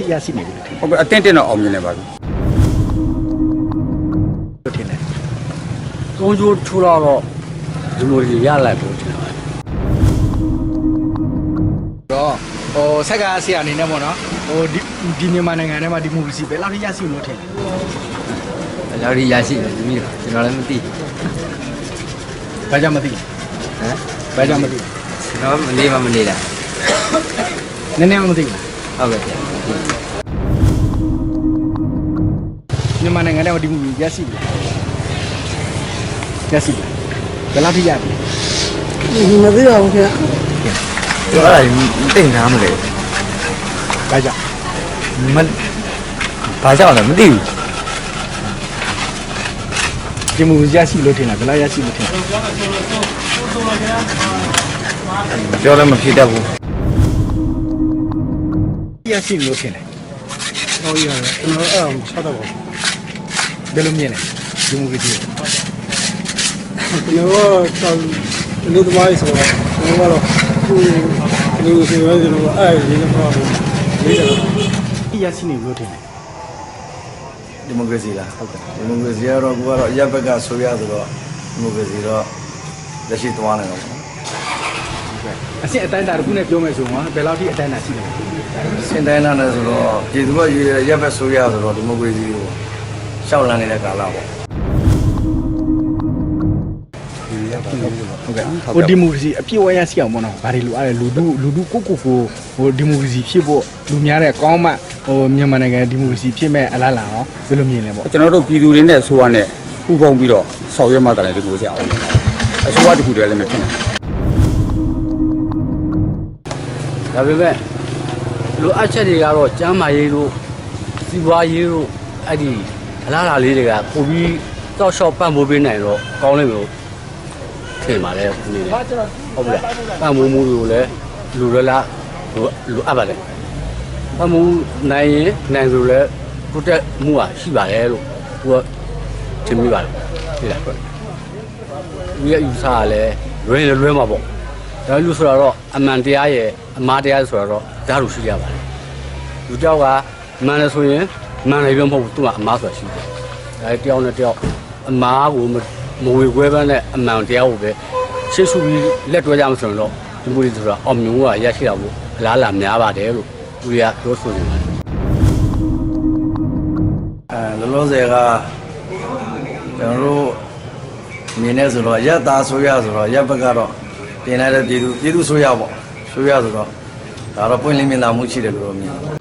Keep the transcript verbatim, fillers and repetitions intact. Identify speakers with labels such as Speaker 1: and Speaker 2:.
Speaker 1: ရရှိနေပြီလို့ထင်
Speaker 2: ဟုတ်ကဲ့အတင်းတင်းတော့အောင်မြင်နေပါပြီ
Speaker 1: လို့ထင်တယ်
Speaker 3: ကုန်းကျိုးထိုးတော့ဒီလိုကြီးရလိုက်ဖို့ထင်ပါတယ်
Speaker 1: တော့ဟိုဆက်ကဆရာအနေနဲ့ပေါ့နော်ဟိုဒီဒီမြန်မာနိုင်ငံထဲမှာဒီမိုကရေစီဘယ်လောက်ထိရရှိလို့ထင်လဲ
Speaker 3: ဘယ်လောက်ကြီးရရှိလဲဒီမျိုးကျွန်တော်လည်းမသိဘူး
Speaker 1: ဘာကြောင့်မသိ
Speaker 3: ဟမ်
Speaker 1: ဘာကြောင့်မသိ
Speaker 3: ကျွန်တော်မလေးမမလေးလား
Speaker 1: နည်းနည်းမသိဘူး
Speaker 3: ဟုတ်ကဲ့ဗျာ
Speaker 1: မြန်မာနိုင်ငံထဲမှာဒီမိုကရေစီရရှိပြီရရှိပြီဘယ်လောက်ထိရပြီ
Speaker 4: မသိပါဘူးခင်ဗျ
Speaker 3: ကျွန်တော်အဲ့ဒါတိတ်နားမလဲ
Speaker 1: ဘာကြောင့်
Speaker 3: မဘာကြောင့်လဲမသိဘူး
Speaker 1: ဒီမိုကရေစီရရှိလို့ထင်လားဘယ်လောက်ရရှိလို့ထင်လဲ
Speaker 3: ပြောလည်းမဖြစ်တတ်ဘူး
Speaker 1: ရရှိလို့ထင်တယ်
Speaker 4: ဟုတ်ရတယ်ကျွန်တော်အဲ့ဒါချက်တော့ပါ
Speaker 1: ဘယ်လိုမြင်လဲဒီမိုကရေစီ
Speaker 4: ကျွန်တော်ကတော့လူသမားကြီးဆိုတော့ကျွန်တော်ကတော့လူစီရဲကျွန်တော်အဲ့ဒီနေ့မှာလေးတယ်
Speaker 1: ရရှိနေလို့ထင်တယ်
Speaker 5: ဒီမိုကရေစီလားဟုတ်ကဲ့ဒီမိုကရေစီကတော့ကိုကတော့အရက်ဘက်ကဆိုရဆိုတော့ဒီမိုကရေစီတော့လက်ရှိသွားနေတော့
Speaker 1: အစစ်အတိုင်းတာတစ်ခုနဲ့ပြောမယ်ဆိုရင်ဘယ်လောက်ထိအတိုင်းတာရှိလဲ
Speaker 5: စင်တိုင်းလာနေဆိုတော့ပြည်သူ့ရဲ့အရက်ဘက်ဆိုရဆိုတော့ဒီမိုကရေစီကိုရှောက်လန်းနေတဲ့ကာလပေါ့
Speaker 1: ဟုတ်ကဲ့ဟိုဒီမိုကရေစီအပြည့်အဝရရှိအောင်ပေါ့နော်ဘာတွေလိုအားလဲလူတို့လူတို့ကိုကိုကိုဟိုဒီမိုကရေစီဖြစ်ဖို့လူများတဲ့ကောင်းမှဟိုမြန်မာနိုင်ငံဒီမိုကရေစီဖြစ်မဲ့အလားလာအောင်ဘယ်လိုမြင်လဲပေါ့
Speaker 2: ကျွန်တော်တို့ပြည်သူတွေနဲ့ဆိုရနဲ့ပူပေါင်းပြီးတော့ဆောင်ရွက်မှတည်းဒီလိုစရအောင်အစိုးရတစ်ခုတည်းလည်းမဖြစ်နိုင်
Speaker 3: ဒါပေမဲ့လိုအပ်ချက်တွေကတော့ကျန်းမာရေးတို့စီးပွားရေးတို့အဲ့ဒီအလားအလာလေးတွေကပိုပြီးတောက်လျှောက်ပံ့ပိုးပေးနိုင်တော့ကောင်းလိမ့်မယ်လို့ထင်ပါတယ်ဒီနေ့ဟုတ်ပြီလားပံ့ပိုးမှုတွေကိုလည်းလူရလားလူလူအပ်ပါတယ်ပံ့ပိုးနိုင်ရင်နိုင်ဆိုလည်းတိုးတက်မှုကရှိပါတယ်လို့သူကထင်မိပါတယ်ဒီလားဒီရဲ့ယူဆရလဲလွဲလွဲမှာပေါ့ဒါလူဆိုတော့အမှန်တရားရဲ့အမှားတရားဆိုတော့ဓာတ်လို့ရှိရပါတယ်လူတယောက်ကမှန်တယ်ဆိုရင်မှန်တယ်ပြောမဟုတ်ဘူးသူကအမှားဆိုတာရှိတယ်ဒါတယောက်နဲ့တယောက်အမှားကိုမဝေခွဲပန်းနဲ့အမှန်တရားကိုပဲရှေ့ရှုပြီးလက်တွဲကြမှာဆိုတော့ဒီမျိုးတွေဆိုတော့အောင်မြင်မှုကရရှိတာမို့အလားလာများပါတယ်လို့သူတွေကပြောဆိုနေပါတယ်
Speaker 5: အဲလောလောဆယ်ကကျွန်တော်တို့မြင်နေဆိုတော့ရက်သားဆိုရဆိုတော့ရက်ဘက်ကတော့တင်လိုက်တဲ့ပြည်သူပြည်သူဆိုရပေါ့ဆိုရဆိုတော့ဒါတော့ပွင့်လင်းမြင်သာမှုရှိတယ်လို့မြင်တယ်